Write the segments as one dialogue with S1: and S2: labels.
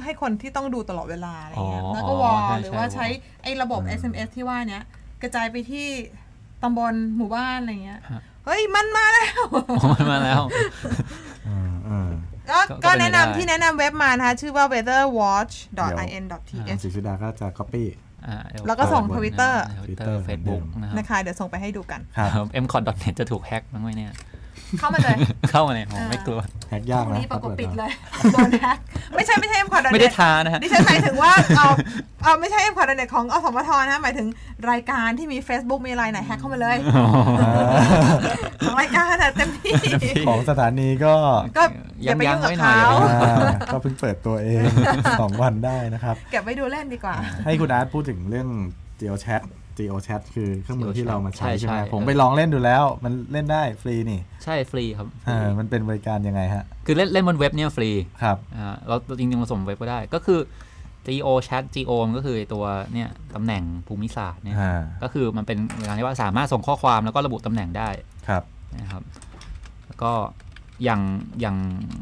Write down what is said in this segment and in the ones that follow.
S1: ให้คนที่ต้องดูตลอดเวลาอะไรเงี้ยแล้วก็วอลหรือว่าใช้ไอ้ระบบ SMS ที่ว่าเนี้ยกระจายไปที่ตำบลหมู่บ้านอะไรเงี้ยเฮ้ยมันมาแล้วก็แนะนำที่แนะนำเว็บมานะคะชื่อว่า weatherwatch.in.th
S2: ศิษดาก็จะ copy
S1: แล้วก็ส่ง Twitter
S3: Facebook
S1: นะคะเดี๋ยวส่งไปให้ดูกัน
S3: mcot.net จะถูกแฮ็กมั้งไหมเนี่ย
S1: เข้ามาเลย
S3: ผมไม่กลัว
S2: แฮกยากนะ
S1: นี่ประกบปิดเลยโดนแฮกไม่ใช่ mcot.net
S3: ไม่ได้ท้านะฮะ
S1: ดิฉันหมายถึงว่าเอาไม่ใช่ mcot.net ของอสมทนะหมายถึงรายการที่มี Facebook มีอะไรไหนแฮกเข้ามาเลยของรายการเต็มที่
S2: ของสถานีก็
S1: อย่าไปยุ่งกับเขา
S2: ก็เพิ่งเปิดตัวเอง2 วันได้นะครับ
S1: เก็บไว้ดูเล่นดีกว่า
S2: ให้คุณอาร์ตพูดถึงเรื่อง GeoChat คือเครื่องมือที่เรามาใช้ใช่ไหมผมไปลองเล่นดูแล้วมันเล่นได้ฟรีนี่
S3: ใช่ฟรีครับ
S2: มันเป็นบริการยังไงฮะ
S3: คือเล่นบนเว็บเนี่ยฟรี
S2: ครับ
S3: เราจริงๆผสมเว็บก็ได้ก็คือ GeoChat ก็คือตัวเนี่ยตำแหน่งภูมิศาสตร์เนี่ยก็คือมันเป็นการที่ว่าสามารถส่งข้อความแล้วก็ระบุตำแหน่งได้
S2: ครับ
S3: นะครับแล้วก็อย่าง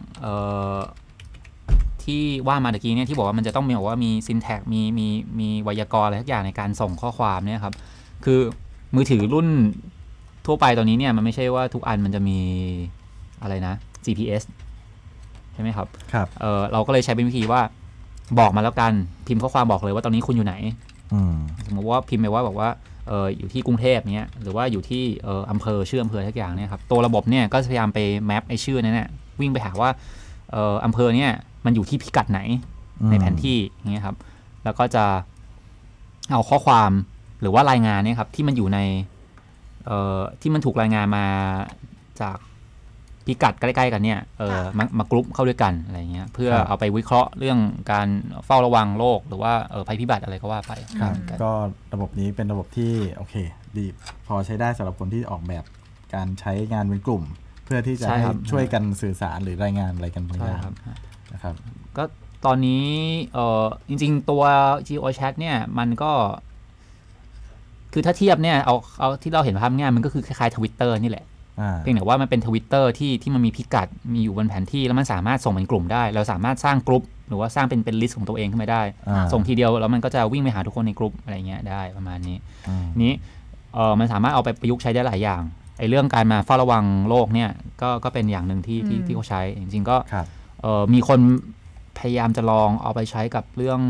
S3: ที่ว่ามาตะกี้เนี่ยที่บอกว่ามันจะต้องมีบอกว่ามี syntax มีไวยากรณ์อะไรทุกอย่างในการส่งข้อความเนี่ยครับคือมือถือรุ่นทั่วไปตอนนี้เนี่ยมันไม่ใช่ว่าทุกอันมันจะมีอะไรนะ GPS ใช่ไหมครับ
S2: ครับ
S3: เราก็เลยใช้เป็นวิธีว่าบอกมาแล้วกันพิมพ์ข้อความบอกเลยว่าตอนนี้คุณอยู่ไหนสมมติว่าพิมพ์ไปว่าบอกว่าอยู่ที่กรุงเทพเนี้ยหรือว่าอยู่ที่อำเภอชื่ออำเภอทุกอย่างเนี่ยครับตัวระบบเนี่ยก็พยายามไปแมปไอชื่อนั้นเนี่ยวิ่งไปหาว่าอำเภอเนี่ยมันอยู่ที่พิกัดไหนในแผนที่อย่างเงี้ยครับแล้วก็จะเอาข้อความหรือว่ารายงานเนี่ยครับที่มันอยู่ในที่มันถูกรายงานมาจากพิกัดใกล้ๆกันเนี่ยมากรุ๊ปเข้าด้วยกันอะไรเงี้ยเพื่อเอาไปวิเคราะห์เรื่องการเฝ้าระวังโรคหรือว่าภัยพิบัติอะไรก็ว่าไป
S2: ก็ระบบนี้เป็นระบบที่โอเคดีพอใช้ได้สำหรับคนที่ออกแบบการใช้งานเป็นกลุ่มเพื่อที่จะให้ช่วยกันสื่อสารหรือรายงานอะไรกันบางอย่างนะครับ
S3: ก็ตอนนี้จริงๆตัว GeoChat เนี่ยมันก็คือถ้าเทียบเนี่ยเอาที่เราเห็นภาพง่ายมันก็คือคล้ายๆ Twitter นี่แหละเพียงแต่ว่ามันเป็น Twitter ที่มันมีพิกัดมีอยู่บนแผนที่แล้วมันสามารถส่งเป็นกลุ่มได้เราสามารถสร้างกลุ่มหรือว่าสร้างเป็นลิสต์ของตัวเองขึ้นมาได้ส่งทีเดียวแล้วมันก็จะวิ่งไปหาทุกคนในกลุ่มอะไรเงี้ยได้ประมาณนี้นี้มันสามารถเอาไปประยุกต์ใช้ได้หลายอย่างไอ้เรื่องการมาเฝ้าระวังโรคเนี่ยก็เป็นอย่างหนึ่งที่เขาใช้จริงๆก็มีคนพยายามจะลองเอาไปใช้กับเรื่อง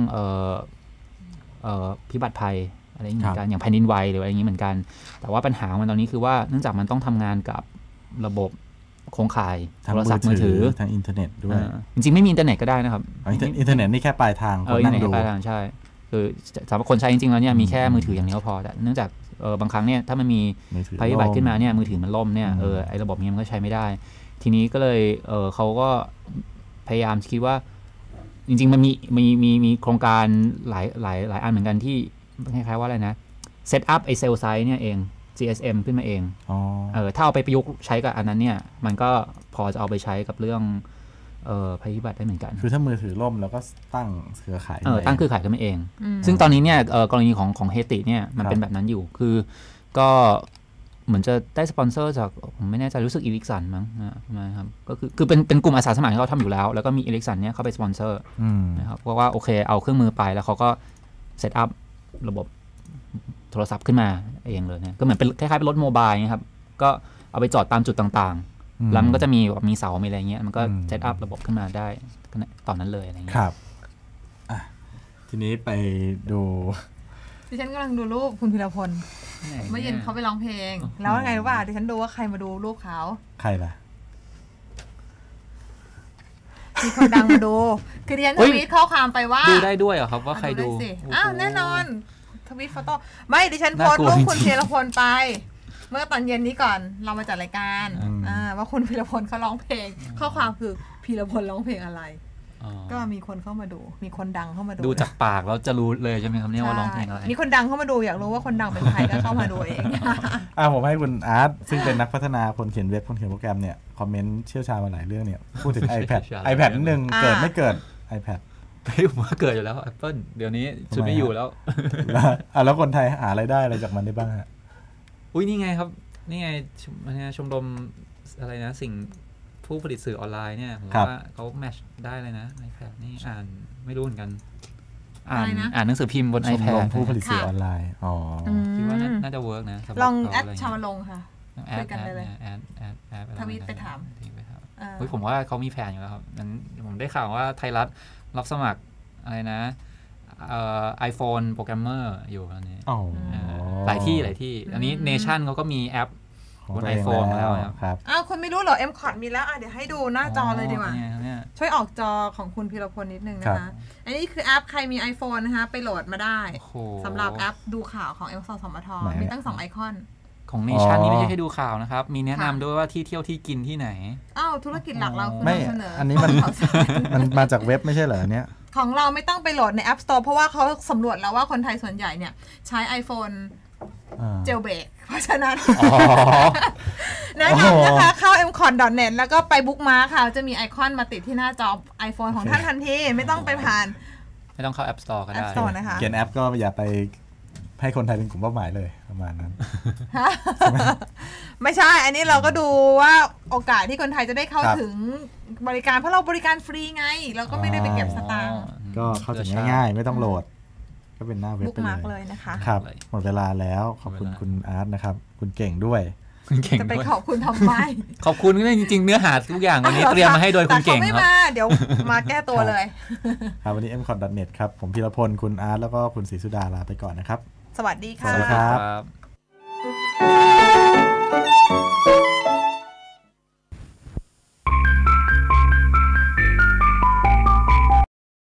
S3: พิบัติภัยอะไรอย่างเงี้ยอย่างแผ่นดินไหวหรืออะไรอย่างนี้เหมือนกันแต่ว่าปัญหาของมันตอนนี้คือว่าเนื่องจากมันต้องทำงานกับระบบโครงข่ายโทรศัพท์มือถือ
S2: ทางอินเทอร์เน็ตด้วย
S3: จริงๆไม่มีอินเทอร์เน็ตก็ได้นะครับ
S2: อินเทอร์เน็ตนี่แค่ปลายทาง
S3: คนนั่งดูปลายทางใช่คือสำหรับคนใช้จริงๆแล้วเนี่ยมีแค่มือถืออย่างเดียวพอแต่เนื่องจากบางครั้งเนี่ยถ้ามันมีภัยพิบัติขึ้นมาเนี่ยมือถือมันล่มเนี่ยไอ้ระบบนี้มันก็ใช้ไม่ได้ทีนี้ก็เลยเขาก็พยายามคิดว่าจริงๆมันมีโครงการหลายอันเหมือนกันที่คล้ายๆว่าอะไรนะเซตอัพไอเซลไซต์เนี่ยเอง GSM ขึ้นมาเองถ้าเอาไปประยุกต์ใช้กับอันนั้นเนี่ยมันก็พอจะเอาไปใช้กับเรื่องภัยพิบัติได้เหมือนกัน
S2: คือถ้ามือถือล่มแล้วก็ตั้งเครือข่าย
S3: ตั้งเครือข่ายขึ้นมาเองซึ่งตอนนี้เนี่ยกรณีของเฮติเนี่ยมันเป็นแบบนั้นอยู่คือก็เหมือนจะได้สปอนเซอร์จากผมไม่แน่ใจรู้สึกอีลิกสันมั้งนะครับก็คือเป็นกลุ่มอาสาสมัครที่เขาทำอยู่แล้วแล้วก็มีอีลิกสันเนี่ยเข้าไปสปอนเซอร์นะครับเพราะว่าโอเคเอาเครื่องมือไปแล้วเขาก็เซตอัพระบบโทรศัพท์ขึ้นมาเองเลยเนี่ยก็เหมือนเป็นคล้ายๆเป็นรถโมบายนะครับก็เอาไปจอดตามจุดต่างๆแล้วมันก็จะมีเสามีอะไรเงี้ยมันก็เซตอัพระบบขึ้นมาได้ตอนนั้นเลยอะไรเงี้ย
S2: ครับทีนี้ไปดู
S1: ดิฉันกำลังดูรูปคุณพีรพลเมื่อเย็นเขาไปร้องเพลงแล้วไงรู้ป่ะดิฉันดูว่าใครมาดูรูปเขา
S2: ใครล่ะ
S1: มีคนดังมาดูคือดิฉันทวีตข้อความไปว่า
S3: ดูได้ด้วยเหรอครับว่าใครดู
S1: แน่นอนทวีตโฟโต้ไม่ดิฉันโพสต์รูปคุณพีรพลไปเมื่อตอนเย็นนี้ก่อนเรามาจัดรายการว่าคุณพีรพลเขาร้องเพลงข้อความคือพีรพลร้องเพลงอะไรก็มีคนเข้ามาดูมีคนดังเข้ามาดู
S3: จากปากแล้วจะรู้เลยใช่ไหมครับเนี่ยว่าร้องเพลงอะไร
S1: มีคนดังเข้ามาดูอยากรู้ว่าคนดังเป็นใครก็เข้ามาดูเอง
S2: ผมให้คุณอาร์ตซึ่งเป็นนักพัฒนาคนเขียนเว็บคนเขียนโปรแกรมเนี่ยคอมเมนต์เชี่ยวชาญมาหลายเรื่องเนี่ยพูดถึง iPad นิดนึงเกิดไม่เกิด iPad
S3: ผมว่าเกิดอยู่แล้ว Apple เดี๋ยวนี้ชุดไม่อยู่แล้ว
S2: แล้วคนไทยหารายได้อะไรจากมันได้บ้างฮะ
S3: อุ้ยนี่ไงครับนี่ไงชมรมอะไรนะสิ่งผู้ผลิตสื่อออนไลน์เนี่ยผมว่าเขาแมทช์ได้เลยนะ iPad นี่อ่านไม่รู้เหมือนกันอ่านหนังสือพิมพ์บน iPad
S2: ผู้ผลิตสื่อออนไลน์อ๋อ
S3: คิดว่าน่าจะเวิร์กนะ
S1: ลองแอดชาวลงค่ะช่วยกันเลยทวีตไปถาม
S3: ผมว่าเขามีแผนอยู่แล้วครับนั้นผมได้ข่าวว่าไทยรัฐรับสมัครอะไรนะiPhone โปรแกรมเมอร์อยู่ตอนนี้หลายที่อันนี้ Nation เขาก็มีแอปบน iPhone มาแล้ว
S2: ครับ
S1: คุณไม่รู้เหรอ M-Cod มีแล้วเดี๋ยวให้ดูหน้าจอเลยดีกว่าช่วยออกจอของคุณพีรพลนิดนึงนะคะอันนี้คือแอปใครมี iPhone นะคะไปโหลดมาได้สำหรับแอปดูข่าวของ สสมทมีตั้ง2ไอคอน
S3: ของ Nation นี่ไม่ใช่แค่ดูข่าวนะครับมีแนะนำด้วยว่าที่เที่ยวที่กินที่ไหน
S1: ธุรกิจหลักเรา
S2: คือเสนออันนี้มันมาจากเว็บไม่ใช่เหรอเนี้ย
S1: ของเราไม่ต้องไปโหลดใน App Store เพราะว่าเขาสำรวจแล้วว่าคนไทยส่วนใหญ่เนี่ยใช้ iPhone เจลเบรกเพราะฉะนั้นแนะนำนะคะเข้า mcon.net แล้วก็ไปบุ๊กมาร์คค่ะจะมีไอคอนมาติดที่หน้าจอ iPhone ของท่านทันทีไม่ต้องไปผ่าน
S3: ไม่ต้องเข้า App Store ก็ได้
S1: App Store นะคะ
S2: เขียนแอปก็อย่าไปให้คนไทยเป็นกลุ่มเป้าหมายเลยประมาณนั้น
S1: ไม่ใช่อันนี้เราก็ดูว่าโอกาสที่คนไทยจะได้เข้าถึงบริการเพราะเราบริการฟรีไงเราก็ไม่ได้ไปเก็บสตางค์
S2: ก็เข้าถึงง่ายๆไม่ต้องโหลดก็เป็นหน้าเว็บไป
S1: เลยนะคะ
S2: ครับหมดเวลาแล้วขอบคุณคุณอาร์ตนะครับคุณเก่งด้วย
S1: จะไปขอบคุณทำไม
S3: ขอบคุณจริงๆเนื้อหาทุกอย่างวันนี้เตรียมมาให้โดยคุณเก่ง
S1: ครับเดี๋ยวมาแก้ตัวเลย
S2: ครับวันนี้ mcon.net ครับผมพีรพลคุณอาร์ตแล้วก็คุณศรีสุดาลาไปก่อนนะครับ
S1: สวัสดีค่ะ
S2: สวัสดีครับ